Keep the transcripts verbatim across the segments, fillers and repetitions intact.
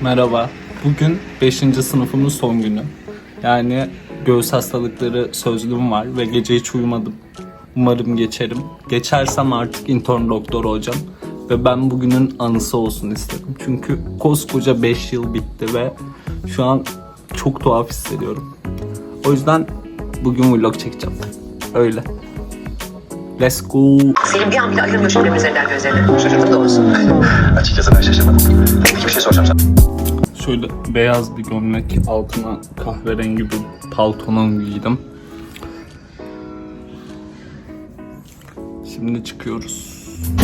Merhaba. Bugün beşinci sınıfımın son günü. Yani göğüs hastalıkları sözlüğüm var ve gece hiç uyumadım. Umarım geçerim. Geçersem artık intern doktor olacağım. Ve ben bugünün anısı olsun istedim. Çünkü koskoca beş yıl bitti ve şu an çok tuhaf hissediyorum. O yüzden bugün vlog çekeceğim. Öyle. Let's go. Selim bir an bile ayırmıyor benim üzerinden gözlerini. Şaşırdın doğrusu. Açıkçası ben şaşırmadım. Peki bir şey soracağım sana. Şöyle beyaz bir gömlek, altına kahverengi bir paltonun giydim. Şimdi çıkıyoruz.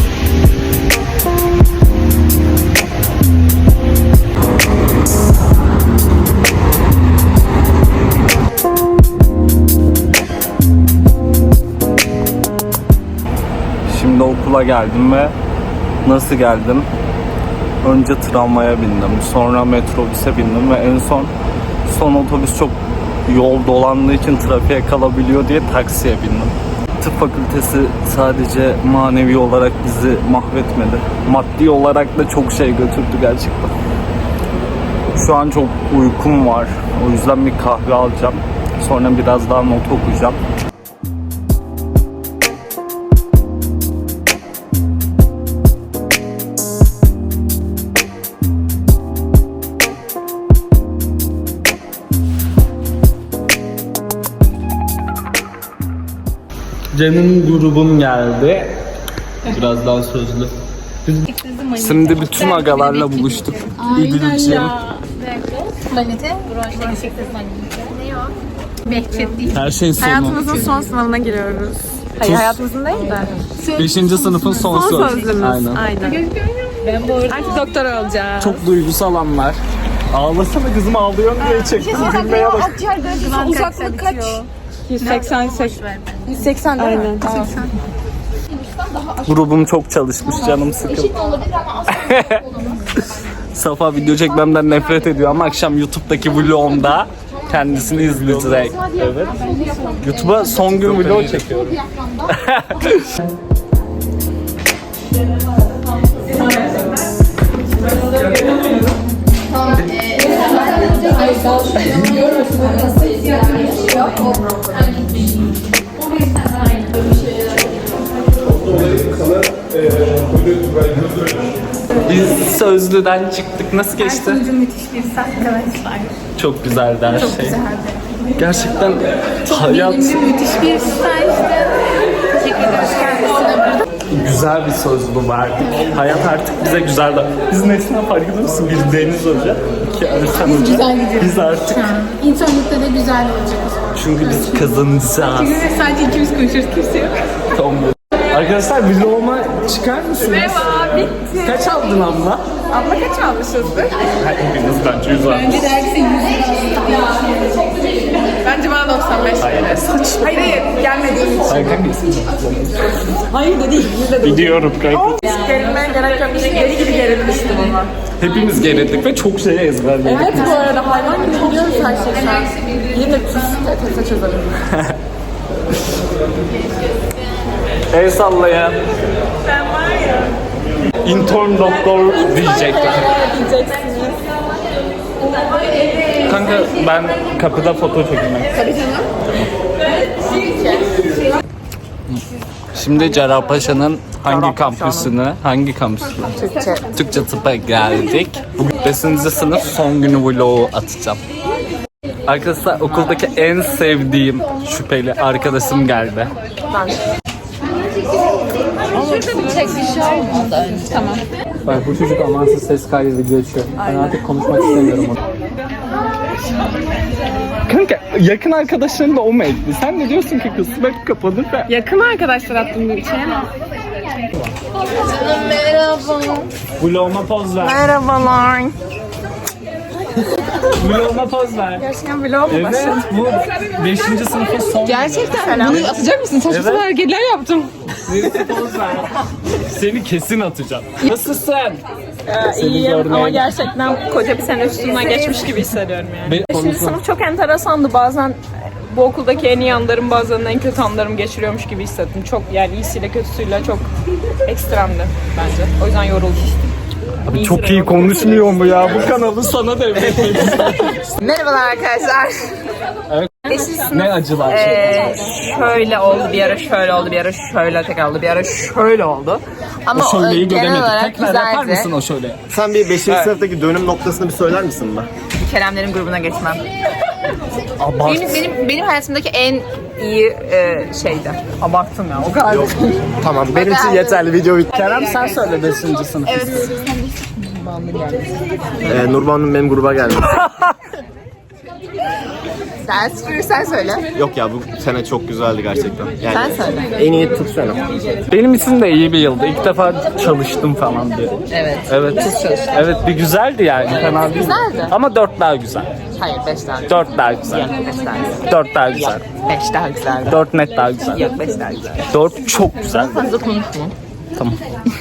Şimdi okula geldim ve nasıl geldim? Önce tramvaya bindim, sonra metrobüse bindim ve en son son otobüs çok yol dolandığı için trafiğe kalabiliyor diye taksiye bindim. Tıp fakültesi sadece manevi olarak bizi mahvetmedi. Maddi olarak da çok şey götürdü gerçekten. Şu an çok uykum var. O yüzden bir kahve alacağım. Sonra biraz daha not okuyacağım. Canım grubum geldi. Biraz daha sözlü. Şimdi bütün agalarla buluştuk. İdilciğim. Manite, broşta çektiğiniz manite. Ne o? Behçet değil. Her şeyin sonu. Hayatımızın son sınavına giriyoruz. Hayır, hayatımızın değil de. Beşinci sınıfın son, Son söz. sözlümüz. Aynen. Aynen. Ben bu arada Artık doktor olacağız. Çok duygusal anlar. Ağlasana kızım, ağlıyor diye çektim. Gülmeye bak. uzaklık kaç? yüz seksen, yüz seksen değil mi? Aynen. Tamam. Grubum çok çalışmış, canım sıkıldı. Safa video çekmemden nefret ediyor ama akşam YouTube'daki vlogumda kendisini izleyecek. Evet. YouTube'a son gün vlog çekiyorum. Biz Sözlü'den çıktık. Nasıl geçti? müthiş bir arkadaşlar. Çok güzeldi her Çok şey. güzeldi. Gerçekten hayat Bilimli müthiş bir stajdı. Teşekkür ederiz kendisine. güzel bir sözlü verdik. Hayat artık bize güzel de. Biz nesinden farkında mısın? Bir Deniz Hoca, iki Ersan Hoca. Güzel gidiyoruz. Biz artık İnternette de güzel olacak. çünkü biz kazanacağız. Sadece ikimiz konuşuyoruz, kimse yok. Tamam. Arkadaşlar vloguma çıkar mısınız? Merhaba, bitti. Kaç aldın abla? Abla kaç almışızdır? Hepiniz bence yüz aldınız. Bence dergisi Bence bana doksan beş. Hayır, saçma. Hayır hayır, gelmediğim için. Hayır, hangisi? Hayır da değil, yüzde de. Biliyorum kanka. Gerilmeye gerek yok. Geri gibi gerilmiştim ama. Hepimiz gerildik ve çok şey ezberledik. Evet bu arada hayvan gibi biliyoruz her şeyi şu an. Yine tuz tese çözelim. El sallayan. Ben var ya. İntern doktor diyecekler. Diyeceksiniz. Kanka ben kapıda foto çekmek. Tabii canım. Şimdi Cerrahpaşa'nın hangi kampüsüne, hangi kampüsüne? Türkçe. Türkçe tıpa geldik. Bugün beşinci sınıf son günü vlogu atacağım. Arkadaşlar okuldaki en sevdiğim şüpheli arkadaşım geldi. Şurada bir çek bir şey olmadı önce. Tamam. Bak bu çocuk amansız ses kaydı video açıyor. Ben artık konuşmak istemiyorum onu. Kanka yakın arkadaşların da o mu etti? Sen ne diyorsun ki kız? Bak kapadı ve... Yakın arkadaşlar attım bir şey ama. Merhaba. Vloguma poz ver. Merhabalar. Vloguma poz ver. Gerçekten vlog mu başladı? Evet, bu beşinci sınıfın son Gerçekten bunu atacak mısın? Saçma sapan hareketler yaptım. günü. Poz ver. Seni kesin atacağım. Nasılsın? Ee, iyiyim ama gerçekten koca bir sene üstünden geçmiş gibi hissediyorum yani. Be- Beşinci sınıf çok enteresandı. Bazen bu okuldaki en iyi anlarım, bazen en kötü anlarım geçiriyormuş gibi hissettim. Çok yani iyisiyle kötüsüyle çok ekstremdi bence. O yüzden yoruldum. Abi çok iyi konuşmuyor mu ya? Bu kanalı sana devretmek Merhabalar arkadaşlar. Evet. Beşinci sınıf. Ne acılar Ee, şöyle oldu bir ara, şöyle oldu bir ara, şöyle tekrar oldu bir ara, şöyle oldu. Ama O şöleyi e, genel göremedik. olarak Tekrar yapar güzeldi. mısın o şöyle? Sen bir beşinci sınıftaki dönüm noktasını bir söyler misin bana? Keremlerin grubuna geçmem. Abart. Benim benim benim hayatımdaki en iyi e, şeydi. Abarttım ya. O kadar. Tamam, benim için yeterli, video bitti. Kerem sen söyle beşinci sınıf. Evet. Ee, Nurban'ın benim gruba geldi. Sen, sen söyle. Yok ya, bu sene çok güzeldi gerçekten. Yani Sen söyle. en iyi Türk sene. Benim için de iyi bir yıldı. İlk defa çalıştım falan diye. Evet. Evet. Evet bir güzeldi yani. Fena değil. Güzeldi. Ama dört daha güzel. Hayır, beş daha güzel. Dört daha güzel. Yok, beş daha güzel. Dört daha güzel. Yok, beş daha güzel. Dört net daha güzel. Yok, beş daha güzel. Dört çok güzel. Fazla konuşma. Tamam.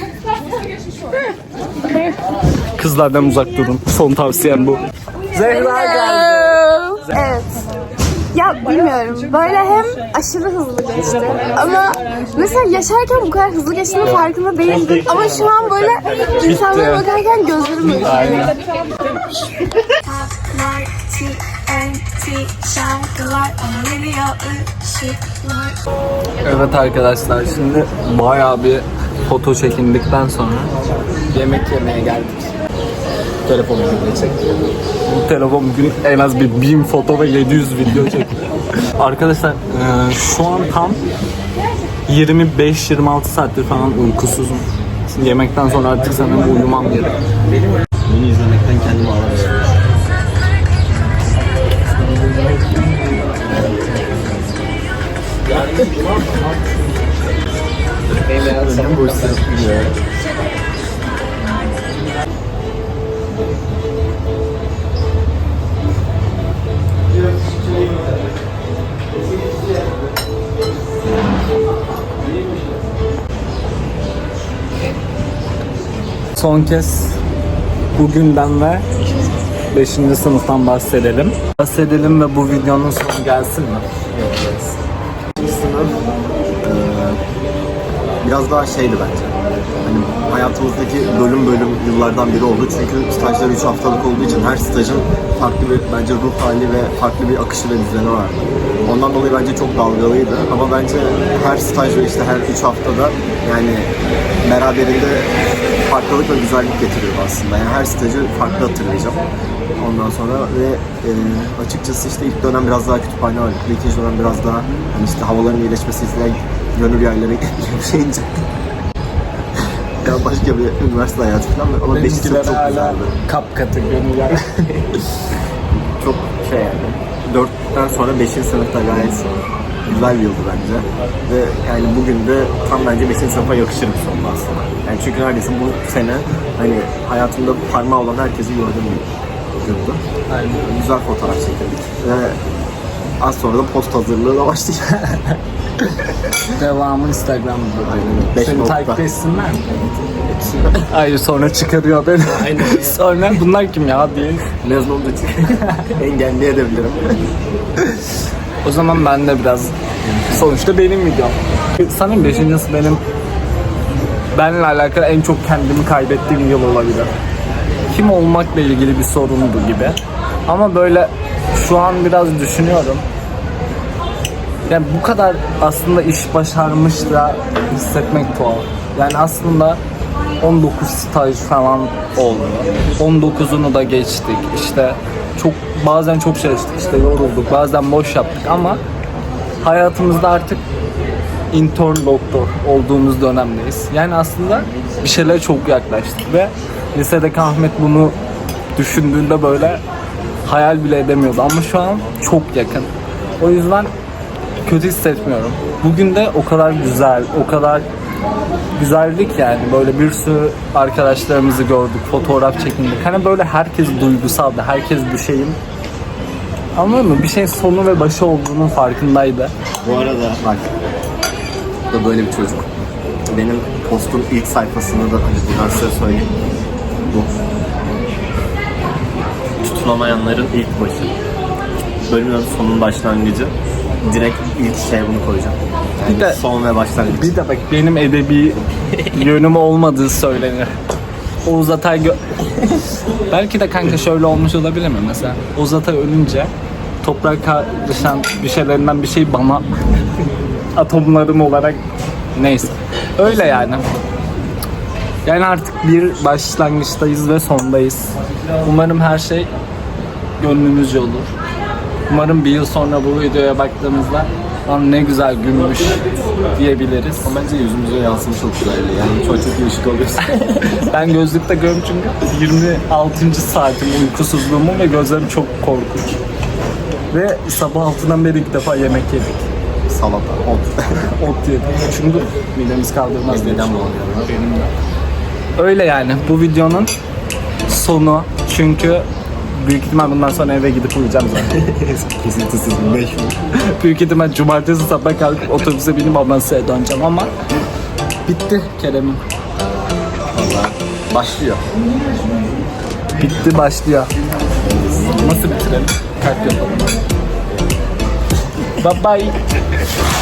Kızlardan uzak durun. Son tavsiyem bu. Zehra geldi. Evet. Ya bilmiyorum. Böyle hem aşırı hızlı geçti ama mesela yaşarken bu kadar hızlı geçtiğinin farkında değildim. Ama şu an böyle insanlara bakarken gözlerim ürperiyor. Aynen. Taklar, T N T şarkılar, anılıyor ışıklar. Evet arkadaşlar şimdi bayağı bir foto çekindikten sonra yemek yemeye geldik. Telefonumu çekti. Bu telefon bugün en az bir bin foto ve yedi yüz video çekti. Arkadaşlar e, şu an tam yirmi beş yirmi altı saattir falan uykusuzum. Şimdi yemekten sonra artık sanırım uyumam gerek. Bunu izlemekten kendimi alamıyorum. Son kez bugünden ve beşinci sınıftan bahsedelim. Bahsedelim ve bu videonun sonu gelsin mi? Sınıf eee, biraz daha şeydi bence. Hani hayatımızdaki bölüm bölüm yıllardan biri oldu. Çünkü stajlar üç haftalık olduğu için her stajın farklı bir bence ruh hali ve farklı bir akışı ve düzeni vardı. Ondan dolayı bence çok dalgalıydı. Ama bence her staj ve işte her üç haftada yani beraberinde farklılık ve güzellik getiriyor aslında. Yani her stajı farklı hatırlayacağım. Ondan sonra ve e, açıkçası işte ilk dönem biraz daha kütüphane var. İkinci dönem biraz daha hani işte havaların iyileşmesi izleyen gönül yerlere şeyince ya başka bir üniversite hayatı falan ama beşinci sınıf çok güzeldi. Kapkatı gönüller. Çok şey yani dörtten sonra beşinci sınıfta gayet güzel bir yıldı bence. Ve yani bugün de tam bence beşinci sınıfa yakışır bir sonunda aslında. Yani çünkü neredeyse bu sene hani hayatımda parmağı olan herkesi gördüm bir yıldı. Yani güzel fotoğraf çekildik. Ve az sonra da post hazırlığına başlayacak. Devamı Instagram'da. Beş Seni nokta. takip etsinler mi? Hayır sonra çıkarıyor beni. Aynen. Sonra bunlar kim ya diye. Mezun olduğu için engelleyebilirim. O zaman ben de biraz sonuçta benim videom. Sanırım beşincisi benim benimle alakalı en çok kendimi kaybettiğim yıl olabilir. Kim olmakla ilgili bir sorundu gibi. Ama böyle şu an biraz düşünüyorum. Yani bu kadar aslında iş başarmış da hissetmek tuhaf. Yani aslında on dokuz staj falan oldu. on dokuzunu da geçtik. İşte çok bazen çok çalıştık, işte yorulduk, bazen boş yaptık ama hayatımızda artık intern doktor olduğumuz dönemdeyiz. Yani aslında bir şeylere çok yaklaştık ve lisedeki Ahmet bunu düşündüğünde böyle hayal bile edemiyordu ama şu an çok yakın. O yüzden kötü hissetmiyorum. Bugün de o kadar güzel, o kadar güzellik yani böyle bir sürü arkadaşlarımızı gördük, fotoğraf çekindik. Hani böyle herkes duygusaldı, herkes bir şeyin anladın mı? Bir şeyin sonu ve başı olduğunun farkındaydı. Bu arada bak, bu da böyle bir çocuk. Benim postun ilk sayfasında da hani buradan size söyleyeyim. Bu. Tutunamayanların ilk başı. Bölümün sonun başlangıcı. Direkt ilk şey bunu koyacağım. Yani Bir de- son ve başlangıç. Bir de bak benim edebi yönüm olmadığı söylenir. Oğuz Atay gö- belki de kanka şöyle olmuş olabilir mi mesela? Oğuz Atay ölünce toprak kardeşen bir şeylerinden bir şey bana atomlarım olarak neyse. Öyle yani. Yani artık bir başlangıçtayız ve sondayız. Umarım her şey gönlümüzce olur. Umarım bir yıl sonra bu videoya baktığımızda lan ne güzel gülmüş diyebiliriz. Ama bence yüzümüze yansımış çok güzel. Yani çok çok iyi ışık alıyorsun. Ben gözlükte görüyorum çünkü yirmi altıncı saatim uykusuzluğumun ve gözlerim çok korkunç. Ve sabah altıdan beri ilk defa yemek yedik. Salata, ot. Ot yedik. Çünkü midemiz kaldırmaz. Midem bulanıyor. Benim de. Öyle yani bu videonun sonu çünkü büyük ihtimal bundan sonra eve gidip uyuyacağım zaten. Kesintisiz beş gün. Büyük ihtimal cumartesi sabah kalkıp otobüse binip Amasya'ya döneceğim ama bitti Kerem'im. Valla başlıyor. Bitti başlıyor. Nasıl bitirelim? Kalp yapalım. Bye bye.